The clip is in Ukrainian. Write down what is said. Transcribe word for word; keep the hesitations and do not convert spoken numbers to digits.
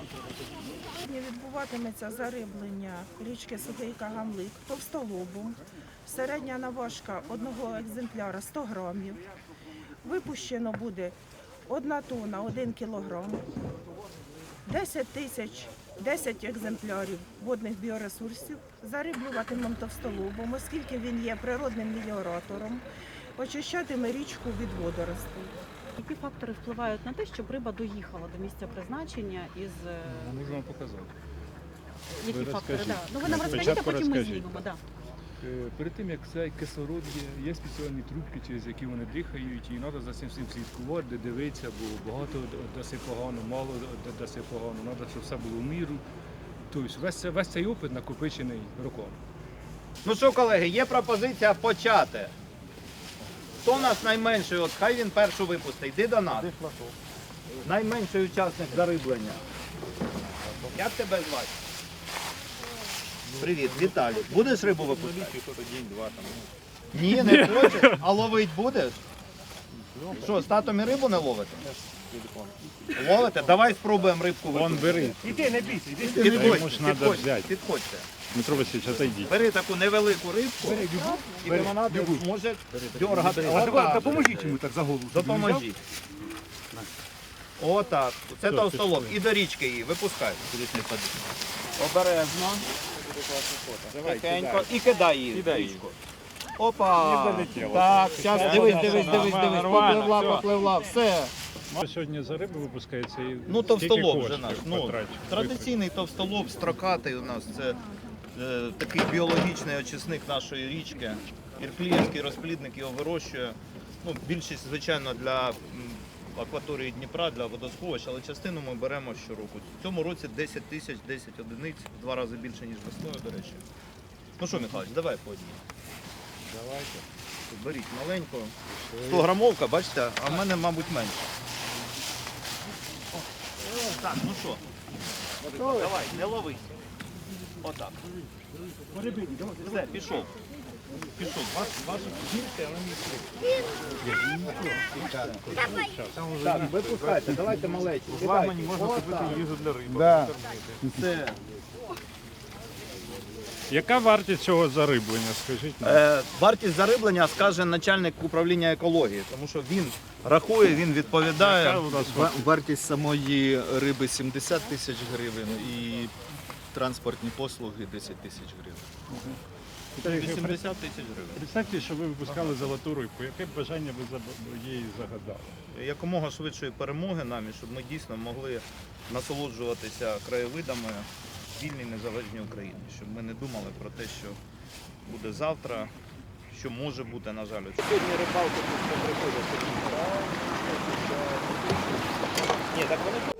Сьогодні відбуватиметься зариблення річки Сухий Кагамлик товстолобом. Середня наважка одного екземпляра сто грамів. Випущено буде одна тонна, один кілограм, десять тисяч, десять екземплярів водних біоресурсів. Зариблюватимемо товстолобом, оскільки він є природним меліоратором, очищатиме річку від водоростей. Які фактори впливають на те, щоб риба доїхала до місця призначення із... Можу вам показати. Які Ви фактори? розкажіть. Да. Ну ви нам Спочатку розкажіть, а потім ми розкажіть, знімемо. Да. Е, Перед тим, як цей кислород є, є спеціальні трубки, через які вони дихають, і треба за цим всім слідкувати, дивитися, бо багато даси погано, мало даси погано, треба, щоб все було в міру. Тобто весь, це- весь цей опит накопичений роками. Ну що, колеги, є пропозиція почати. Хто у нас найменший? От хай він першу випустить. Йди до нас. Найменший учасник зариблення. Як тебе звати? Привіт, Віталій. Будеш рибу випускати? Ні, не хочеш. А ловить будеш? Що, з татом і рибу не ловите? Ловите? Давай спробуємо рибку Вон випустити. бери. Іди, не бійся, іди. Йому Підходьте, ж надо підходьте, взяти. підходьте. Дмитро Васильович, отойдіть. Бери таку невелику рибку, і вона може дергати. Отак. Допоможіть йому так за голову. Допоможіть. Отак. Це Все, товстолоб. пішли. І до річки її випускай. Обережно. Тихенько. І кидай її в річку. Опа. Так, зараз дивись, дивись, дивись, дивись. Попливла, попливла. Все. Сьогодні за риби випускається і Ну, скільки товстолоб вже коштів наш. Ну, потрачено? традиційний товстолоб, строкатий у нас. Це е, такий біологічний очисник нашої річки. Іркліївський розплідник його вирощує. Ну, більшість, звичайно, для м, акваторії Дніпра, для водосховищ, але частину ми беремо щороку. В цьому році десять тисяч, десять одиниць, в два рази більше, ніж весною, до речі. Ну що, Михайлович, давай по одній. Давайте. Беріть маленьку. сто грамовка, бачите, а в мене, мабуть, менше. Так, ну що? Давай, не ловись. Отак. Все, пішов. Пішов. Ваш, ваша жінка на місці. Так, випускайте, давайте маленьку. Можна купити їжу для риби. Да. Все. Яка вартість цього зариблення, скажіть нам? Е, вартість зариблення скаже начальник управління екології, тому що він рахує, він відповідає. Яка у нас Ва- Вартість самої риби сімдесят тисяч гривень і транспортні послуги десять тисяч гривень. вісімдесят тисяч гривень. Представте, що ви випускали золоту рибку. Яке б бажання ви за- їй загадали? Якомога швидшої перемоги нам, і щоб ми дійсно могли насолоджуватися краєвидами в вільній незалежній Україні. Щоб ми не думали про те, що буде завтра, що може бути, на жаль. Сьогодні рибалка тут приходять. Ні, так вони